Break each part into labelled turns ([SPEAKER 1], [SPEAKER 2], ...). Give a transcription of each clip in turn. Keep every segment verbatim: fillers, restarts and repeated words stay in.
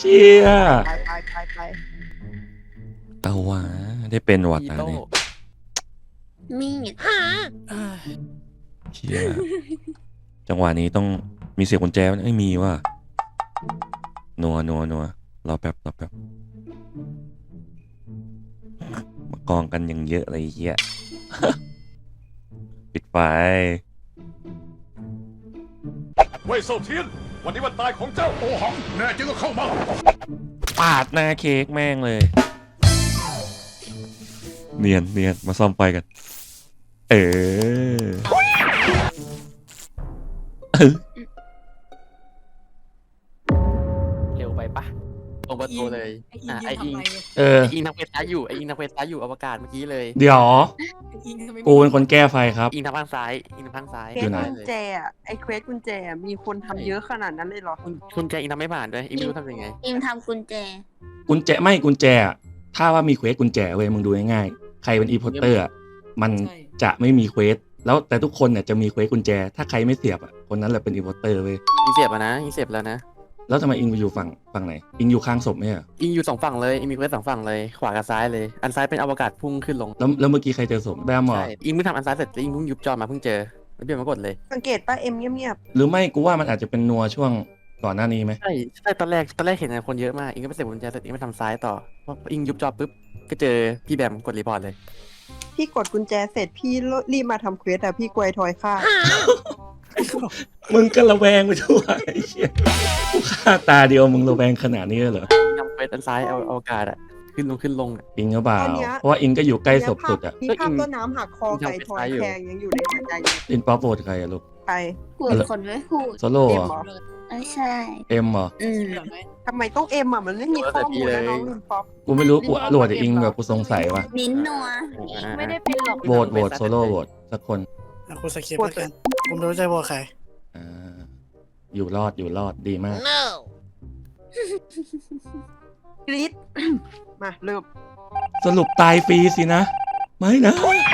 [SPEAKER 1] เชี่ย
[SPEAKER 2] ไปไปไปไป
[SPEAKER 1] เอาวะได้เป็นวัด
[SPEAKER 3] อี
[SPEAKER 1] นะ
[SPEAKER 3] โต้
[SPEAKER 1] เนี่ย
[SPEAKER 4] มีด
[SPEAKER 1] เชี่ยจังหวะนี้ต้องมีเสียงกุญแจไหมไม่มีว่ะนัวนัวนัวรอแป๊บรอแป๊บมากองกันยังเยอะเลยเฮีย ปิดไฟ
[SPEAKER 5] เว่ยเซาเทียนวันนี้วันตายของเจ้าโอหังแน่จริงก็เข้ามา
[SPEAKER 1] ปาดหน้าเค้กแม่งเลย เนียนเนียนมาซ่อมไฟกัน เออเออ
[SPEAKER 3] เร็วไปปะตรงประตูเลย
[SPEAKER 6] ไออิง
[SPEAKER 3] อ่ะ
[SPEAKER 6] ยื
[SPEAKER 3] ไอน อิ
[SPEAKER 6] ทำ
[SPEAKER 3] ง
[SPEAKER 6] อะไรเนี่ย
[SPEAKER 1] เออ
[SPEAKER 3] ไออิงทำเควสซ้ายอยู่ไออิงทำเควสซ้ายอยู่อวกาศเมื่อกี้เลย
[SPEAKER 1] เดี๋ยว
[SPEAKER 6] ไออิงทำไมไม่
[SPEAKER 1] กูเป็นคนแก้ไฟครับ
[SPEAKER 3] อิงทางข้างซ้ายอิงทางข้างซ้าย
[SPEAKER 2] เคว
[SPEAKER 1] อยู่
[SPEAKER 2] ส
[SPEAKER 1] ไหน
[SPEAKER 2] กุญแจอะไอเควสกุญแจอะมีคนทำเยอะขนาดนั้นเลยเหรอ
[SPEAKER 3] คุณคุณแจอิงทำไม่ผ่านด้วยอิงไม่รู้ทำยังไง
[SPEAKER 4] อิมทำกุญแจ
[SPEAKER 1] กุญแจไม่กุญแจอะถ้าว่ามีเควสกุญแจเว้ยมึงดูง่ายๆใครเป็นอีพอร์เตอร์อะมันจะไม่มีเควสแล้วแต่ทุกคนเนี่ยจะมีเควสกุญแจ ถ้าใครไม่เสียบอ่ะคนนั้นแหละเป็นอีพอร์เตอร์เว้ย
[SPEAKER 3] อิงเสียบอะนะอิงเสียบแล้วนะ
[SPEAKER 1] แล้วทำไมอิงไปอยู่ฝั่งฝั่งไหนอิงอยู่ข้างศพไหมอ่ะ
[SPEAKER 3] อิงอยู่สองฝั่งเลยอิงมีเควสสองฝั่งเลยขวากับซ้ายเลย อันซ้ายเป็นอวกาศพุ่งขึ้นลง
[SPEAKER 1] แล้วแล้วเมื่อกี้ใครเจอศพแบมเหรอ
[SPEAKER 3] ใช่อิงเพิ่งทำอันซ้ายเสร็จแล้วอิงเพิ่งยุบจอมาเพิ่งเจอแล้วเปลี่ยนมากดเลย
[SPEAKER 2] สังเกตป้าเอ็มเงียบ
[SPEAKER 1] หรือไม่กูว่ามันอาจจะเป็นนัวช่วงก่อนหน้านี้ไหม
[SPEAKER 3] ใช่ใช่ตอนแรกตอนแรกเห็นคนเยอะมากอิงก็ไปเสียบกุญแจเสร็จอิงไปทำซ้ายต่อพออิงยุบจอปุ๊บก็เจอพี่แบมกดรีพอร์ตเลย
[SPEAKER 2] ๆพี่กดกุญแจเสร็จพี่รีบมาทำเควสแต่พี่กลัวไอ้ทอยฆ่า
[SPEAKER 1] มึงก็ระแวงไปทั่วไอ้เชี่ยกูฆ่าตาเดียวมึงระแวงขนาดนี้เลยเหรอ
[SPEAKER 3] ทำเควสอันซ้ายเอาอวกาศอะขึ้นลงขึ้นลงอะ
[SPEAKER 1] อิงก็เปล่า
[SPEAKER 2] ตอนเนี้ย
[SPEAKER 1] เพราะว่าอิงก็อยู่ใกล้ศพสุดอ่ะ
[SPEAKER 2] มีภาพต้นน้ำหักคอไก่ทอยแทงยังอยู่ในหัวใจอยู่
[SPEAKER 1] อินป๊อปโหวตใครอะลูก
[SPEAKER 2] ไป
[SPEAKER 4] พูดคนไม่พูด
[SPEAKER 1] โซโล่
[SPEAKER 2] เอ็
[SPEAKER 1] เห
[SPEAKER 2] ม
[SPEAKER 1] รอ
[SPEAKER 2] เหรอ
[SPEAKER 4] ไม่ใช่
[SPEAKER 1] เอ็มเหรอ
[SPEAKER 4] อืม
[SPEAKER 6] เหลือไหม
[SPEAKER 2] ทำไมต้องเอ็มอ่ะมันไม่มีข้อมูลนะน้องลินป๊อป
[SPEAKER 1] กูไม่รู้กูโหวตแต่อิงแบบกูสงสัยว่ะ
[SPEAKER 4] นิ้นนัว
[SPEAKER 7] ไม่ได้เป็นหรอก
[SPEAKER 1] โหวตโหวตโซโล่โหวตสักคน
[SPEAKER 8] แล้วคุณสคริปต์แล้วกันผมไม่รู้จะบอกใคร
[SPEAKER 1] อ่าอยู่รอดอยู่รอดดีมาก
[SPEAKER 2] กรี๊ด มาเริ่ม
[SPEAKER 1] สรุปตายฟรีสินะ ไม่นะ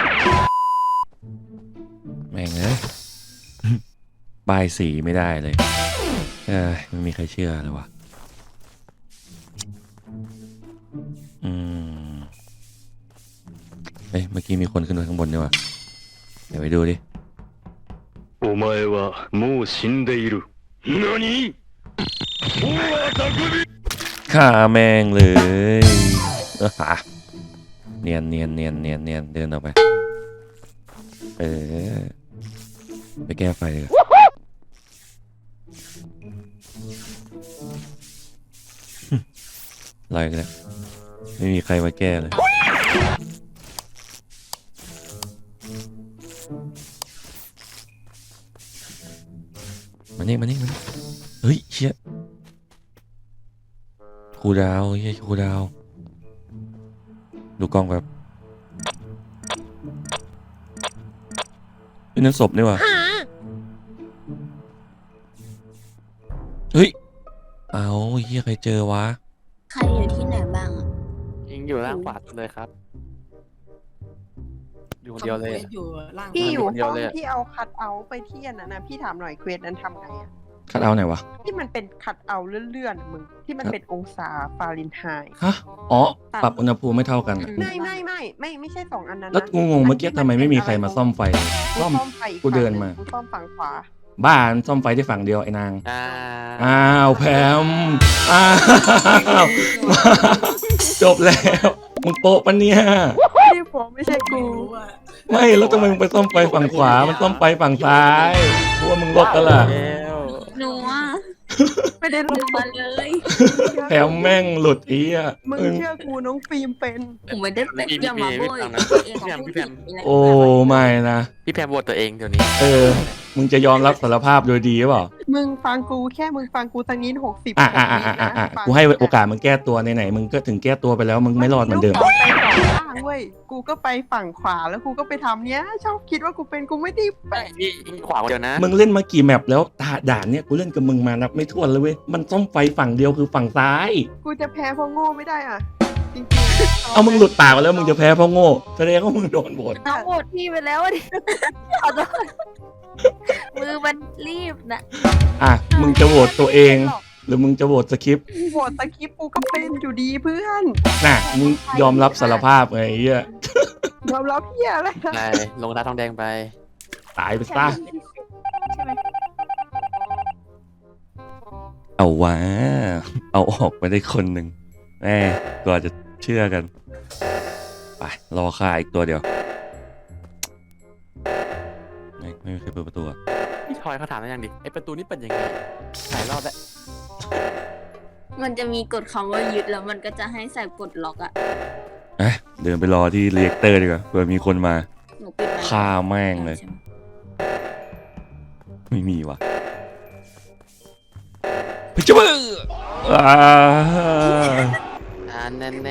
[SPEAKER 1] แม่งเอ้ย บายสีไม่ได้เลย เออไม่มีใครเชื่อเลยวะอืมเอ้ยเมื่อกี้มีคนขึ้นไปข้างบนด้วยวะเดี๋ยวไปดูดิ
[SPEAKER 5] お前はもう死んでいる何大当たり
[SPEAKER 1] ฆ่าแม่งเลยเออหาเนียนเนียนเนียนเนียนเนียนเดินออกไป เออ ไปแก้ไฟเลยอะไรกันเนี่ยไม่มีใครมาแก้เลยมานี่มานี่มานี่เฮ้ยเชี่ยครูดาวเฮ้ยครูดาว ดูกล้องแบบเป็นนั่นศพนี่วะเฮ้ยเอาเฮียใครเจอวะ
[SPEAKER 4] ใครอยู่ที่ไหนบ้างอะ
[SPEAKER 3] อิงอยู่ล่างขวาสุดเลยครับ อยู่คนเดียวเลย
[SPEAKER 6] ทำ
[SPEAKER 3] อะ
[SPEAKER 6] ควสอยู่ล่าง
[SPEAKER 2] พี่อยู่
[SPEAKER 3] คนเดีย
[SPEAKER 2] ห้
[SPEAKER 3] ว
[SPEAKER 2] อง
[SPEAKER 3] เลยอะ
[SPEAKER 2] ที่เอาคัดเอาท์ไปที่อันนั้นนะพี่ถามหน่อยเควสนั้นทำไงอะ
[SPEAKER 1] คัดเอาท์ไหนวะ
[SPEAKER 2] ที่มันเป็นคัดเอาท์เลื่อนๆอะมึงที่มันเป็นองศาฟาเรนไฮต์
[SPEAKER 1] ฮะอ๋อปรับอุณหภูมิไม่เท่ากันอะ
[SPEAKER 2] ไม่ไม่ไม่ไม่ไม่ใช่สองอันนั้นนะ
[SPEAKER 1] แล้วกูงงเมื่อกี้ทำไมไม่มีใครมาซ่อมไฟ
[SPEAKER 2] กู
[SPEAKER 1] ซ่อม
[SPEAKER 2] ซ่อมไฟอีก
[SPEAKER 1] กูเดินมา
[SPEAKER 2] ฝั่งหงกูซ่อมฝั่งขวา
[SPEAKER 1] บ้านซ่อมไฟที่ฝั่งเดียวไอ้นาง
[SPEAKER 3] อ่า
[SPEAKER 1] อ้าวแพมอ้าวจบแล้ว มึงโปะปะเนี่ย
[SPEAKER 2] ที่ผมไม่ใช่กู
[SPEAKER 6] รู้ว่า
[SPEAKER 1] ไม่แล้วทำไมมึงไปซ่อมไฟฝั่งขวา มันซ่อมไฟฝั่งซ้ายเพราะว่ามึงลดกันล่ะ
[SPEAKER 3] แล้ว
[SPEAKER 4] หนูอ่ะ
[SPEAKER 2] ไม่ได้
[SPEAKER 4] ห
[SPEAKER 2] รู้
[SPEAKER 4] นูมาเลย
[SPEAKER 1] แถมแม่งหลุดอีอ่ะ
[SPEAKER 2] มึง
[SPEAKER 1] มึง
[SPEAKER 2] เชื่อกูน้องฟิล์มเป็น
[SPEAKER 4] ผมไม่ได้เป็นอย่ามาโบยเองของผู้ผิดอะไร
[SPEAKER 1] โอ้ไม่นะ
[SPEAKER 3] พี่แพมโหวตตัวเองเดี๋ยวนี้
[SPEAKER 1] เออ มึงจะยอมรับสารภาพโดยดีหรือเปล่า
[SPEAKER 2] มึงฟังกูแค่มึงฟังกูสักนิดหกสิบ
[SPEAKER 1] อ่ะอ่ะอ่ะอ่ะอ่ะอ่ะกูให้โอกาสมึงแก้ตัวไหนๆมึงก็ถึงแก้ตัวไปแล้ว มึงไม่รอดเหมือนเดิม
[SPEAKER 2] ไปสองข้างเว้ยกูก็ไปฝั่งขวาแล้วกูก็ไปทำเนี้ย ชอบคิดว่ากูเป็นกูไม่ได้ไป
[SPEAKER 3] พี่อิงขวาคนเดียวนะ
[SPEAKER 1] มึงเล่นมากี่แมปแล้วตาด่านเนี่ยกูเล่นกับมึงมานับไม่ถ้วนเลยเว้ย มันซ่อมไฟฝั่งเดียวคือฝั่งซ้าย
[SPEAKER 2] กูจะแพ้เพราะโง่ไม่ได้อ่ะจริงๆ
[SPEAKER 1] เอามึงหลุดปากมาแล้วมึงจะแพ้เพราะโง่แสดงว่ามึงโดนโหวต
[SPEAKER 7] น้องโหวตพี่ไปแล้วอะดิขอโทษมือมันรีบนะ
[SPEAKER 1] อ่ะมึงจะโหวตตัวเอง แรือมึงจะโหวตสคริปต์
[SPEAKER 2] โหวตตะคิปกูก็เป็นอยู่ดีเพื่อน
[SPEAKER 1] น่ะมึงยอมรับสารภาพไงไอ้เหี้ย
[SPEAKER 2] ยอมรับเฮียอะไร
[SPEAKER 3] ไปลงตาทองแดงไป
[SPEAKER 1] ตายไปซะ
[SPEAKER 7] ใช่ไหม
[SPEAKER 1] เอาวะเอาออกไปได้คนหนึ่งแม่กว่าจะเชื่อกันไปรอค่าอีกตัวเดียวไม่ไม่มีใครเปิดประตูอะ
[SPEAKER 3] พี่ทอยเขาถามแล้วยังดิไอประตูนี้เปิดยังไงหลายรอบแล้ว
[SPEAKER 4] มันจะมีกฎคำว่ายึดแล้วมันก็จะให้ใส่กดล็อกอะ
[SPEAKER 1] เอ๊ะเดินไปรอที่เรียกเตอร์ดีกว่าเผื่อมีคนมา
[SPEAKER 4] หนูปิดมัน
[SPEAKER 1] ฆ่าแม่งเลย ไม่มีว่ะไปจ้าบ้าอ่า
[SPEAKER 3] อ่าแน่แน่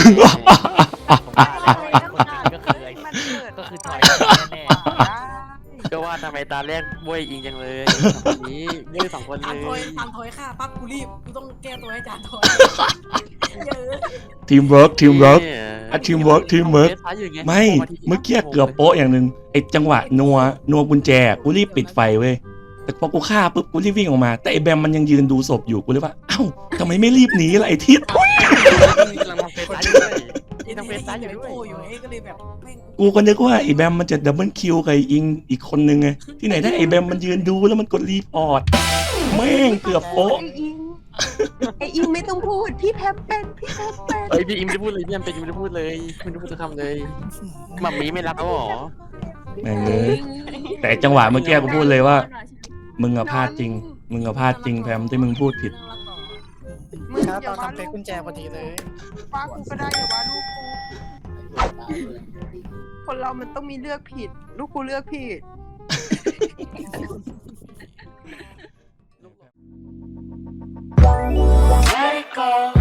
[SPEAKER 2] ก็คือมันเปิด
[SPEAKER 3] ก็คือทอย
[SPEAKER 2] แน่
[SPEAKER 3] ก็ว่าทำไมตาแรกบวยอิงจังเลยสองคนนี้เลือกสองคนเล
[SPEAKER 6] จานถอย
[SPEAKER 3] ย
[SPEAKER 6] จานถอยค่ะปั๊บกูรีบกูต้องแก้ตัวให้จานถอยเยอะ
[SPEAKER 1] ทีมเวิร์กทีมเวิร์ก
[SPEAKER 3] เนี่ย
[SPEAKER 1] อ่ะ teamwork teamwork ไม่เมื่อกี้เกือบโป๊ะอย่างหนึ่งไอ้จังหวะนัวนัวกุญแจกูรีบปิดไฟเว้ยแต่พอกูฆ่าปุ๊บกูรีบวิ่งออกมาแต่ไอ้แบมมันยังยืนดูศพอยู่กูเลยว่าเอ้าทำไมไม่รีบหนีล่ะไอ้ทิศ
[SPEAKER 3] กำลังมองเฟซซ้ายอยู่ด้วย
[SPEAKER 6] ไอ้
[SPEAKER 3] ต้องเป็นซ้ายอยู่ด้วย
[SPEAKER 6] โป้อยู่ไอ้ก็เลยแบบแม่ง
[SPEAKER 1] กูก็นึกว่าไอ้แบมมันจะดับเบิลคิวกับไอ้อิงอีกคนนึงไงที่ไหนได้ไอ้แบมมันยืนดูแล้วมันกดรีพอร์ตแม่งเกือบโป๊ะ
[SPEAKER 2] ไออิงไออิงไม่ต้องพูดพี่แพมเป็นพี่แพมเป็น
[SPEAKER 3] เฮ้ยพี่อิมไม่ได้พูดเลยพี่แอมเป็นอิมไม่ได้พูดเลยไม่ได้พูดสักคำเลยมัมมี่ไม่รักเขาหรอ
[SPEAKER 1] แม่งเอ้ยแต่ไอ้จังหวะเมื่อกี้กูพูดเลยว่า มึงอะพลาดจริง มึงอะพลาดจริงแพมที่มึงพูดผิด
[SPEAKER 2] มึง
[SPEAKER 8] ครับ
[SPEAKER 2] อย่า
[SPEAKER 8] เรา
[SPEAKER 2] ว่า
[SPEAKER 8] ทำเฟ
[SPEAKER 2] ลู
[SPEAKER 8] ซ
[SPEAKER 2] ก
[SPEAKER 8] กุญแจพอดีเลย
[SPEAKER 2] ว่ากูก็ได้อย่าว่าลูกกูคนเรามันต้องมีเลือกผิด ลูกกูเลือกผิด
[SPEAKER 9] Let it go.